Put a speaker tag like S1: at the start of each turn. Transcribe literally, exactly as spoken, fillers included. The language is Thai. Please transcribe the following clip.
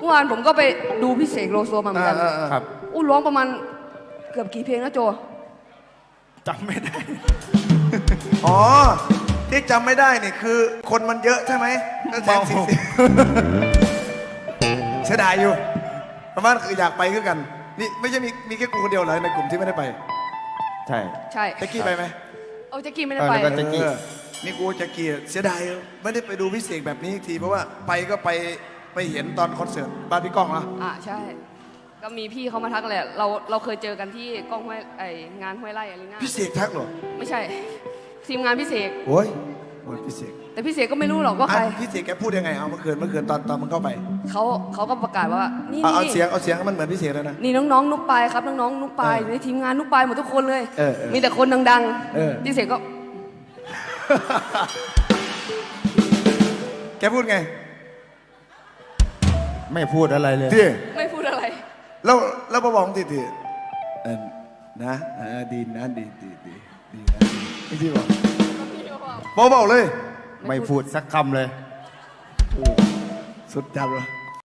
S1: วานผมก็ไปดูพี่เสกโลโซมาเหมือนกัน
S2: ครับ
S1: อู้ร้องประมาณเกือบกี่เพลงนะโจ
S2: จำไม่ได้
S3: อ๋อที่จำไม่ได้นี่คือคนมันเยอะใช่ไหมแสนสี่สิบเสียดายอยู่ประมาณคืออยากไปคือกันนี่ไม่ใช่มีมีแค่กูคนเดียวเลยในกลุ่มที่ไม่ได้ไป
S2: ใช่
S1: ใช่
S3: แจ็กกี้ไปไหม
S1: เอาแจ็กกี้ไม่ได้ไป
S2: เออแล้วก็ แจ็คกี้
S3: เออนี่กูแจ็กกี้เสียดายไม่ได้ไปดูพิเศษแบบนี้อีกทีเพราะว่าไปก็ไปไปเห็นตอนคอนเสิร์ตบ้านพี่ก้องนะ
S1: อ่าใช่ ก็มีพี่เขามาทักแหละเราเราเคยเจอกันที่กล้องห้วยไองานห้วยไร่อารีนา
S3: พิเศษทักเหรอ
S1: ไม่ใช่ ทีมงานพี่เสก
S3: โอ้ยโอ้ยพิเศษ
S1: แต่พี่เสกก็ไม่รู้หรอกว่าใคร
S3: อ่ะพี่เสกแกพูดยังไงเอาเมื่อคืนเมื่อคืนตอนตอนมึงเข้าไป
S1: เขาเขาก็ประกาศว่านี่
S3: เอาเอา
S1: นี่
S3: เสียงเอาเสียงให้มันเหมือนพี่เสกแล้วนะ
S1: นี่น้องๆนุกปายครับน้องๆนุกปาย
S3: เออ
S1: ในทีมงานนุกปายหมดทุกคนเลย
S3: เออเออ
S1: มีแต่คนดัง
S3: เออ
S1: พี่เสกก็
S3: แกพูดไง
S2: ไม่พูดอะไรเลย
S3: ที่
S1: ไม่พูดอะไร
S3: แล้วแล้วมาบอกทีทีเออนะอ่าดีนะดีดีดีดีนะไม่ที่บอกบอกบอกเลย
S2: ไม่พูดสักคำเลย
S3: สุดจัดเลย